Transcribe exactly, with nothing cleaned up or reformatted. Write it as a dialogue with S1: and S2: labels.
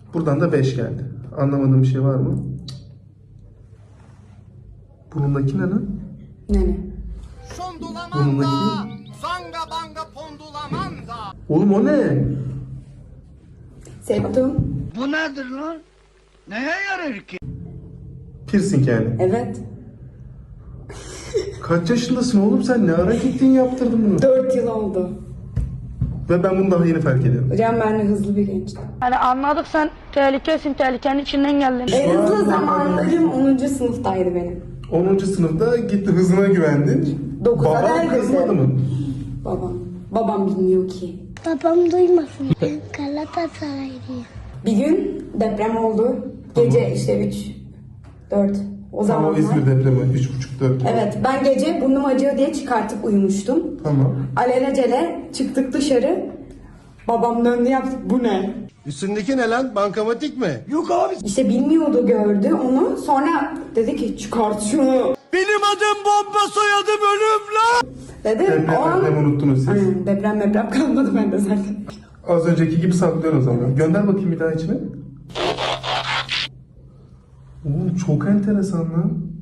S1: Buradan da beş geldi. Anlamadığım bir şey var mı? Burnundaki ne lan?
S2: Ne ne?
S1: Burnundaki...
S3: Zanga banga pondulamanda.
S1: Oğlum o ne?
S2: Septum.
S3: Bu nedir lan? Neye yarar ki?
S1: Piercing yani.
S2: Evet.
S1: Kaç yaşındasın oğlum sen? Ne ara gittin yaptırdın bunu?
S2: Dört yıl oldu.
S1: Ve ben bunu daha yeni fark ediyorum.
S2: Hocam ben de hızlı bir gençtim.
S4: Hani anladık sen tehlikesin, tehlikenin içinden geldin.
S2: En hızlı zamanlarım onuncu sınıftaydı benim.
S1: onuncu sınıfta gitti hızına güvendin.
S2: Dokuza
S1: Baban
S2: neredeyse.
S1: kızmadı mı?
S2: Babam. Babam bilmiyor ki.
S5: Babam duymasın. Ben Galatasaraylıyım.
S2: Bir gün deprem oldu. Gece işte üç, dört. O
S1: Tamam,
S2: zamanlar.
S1: İzmir depremi üç buçuk dört.
S2: Evet, ben gece burnum acıyor diye çıkartıp uyumuştum.
S1: Tamam.
S2: Alelacele çıktık dışarı. Babam döndü yaptı. Bu ne?
S6: Üstündeki ne lan? Bankamatik mi?
S3: Yok abi.
S2: İşte bilmiyordu, gördü onu. Sonra dedi ki çıkart şunu.
S3: Benim adım bomba, soyadım ölüm lan.
S2: Dedim
S1: Deprem,
S2: o an...
S1: deprem unuttunuz siz.
S2: Aynen, deprem deprem kalmadı bende zaten.
S1: Az önceki gibi saklıyorsun o zaman. Gönder bakayım bir daha içine. Oğlum çok enteresan lan.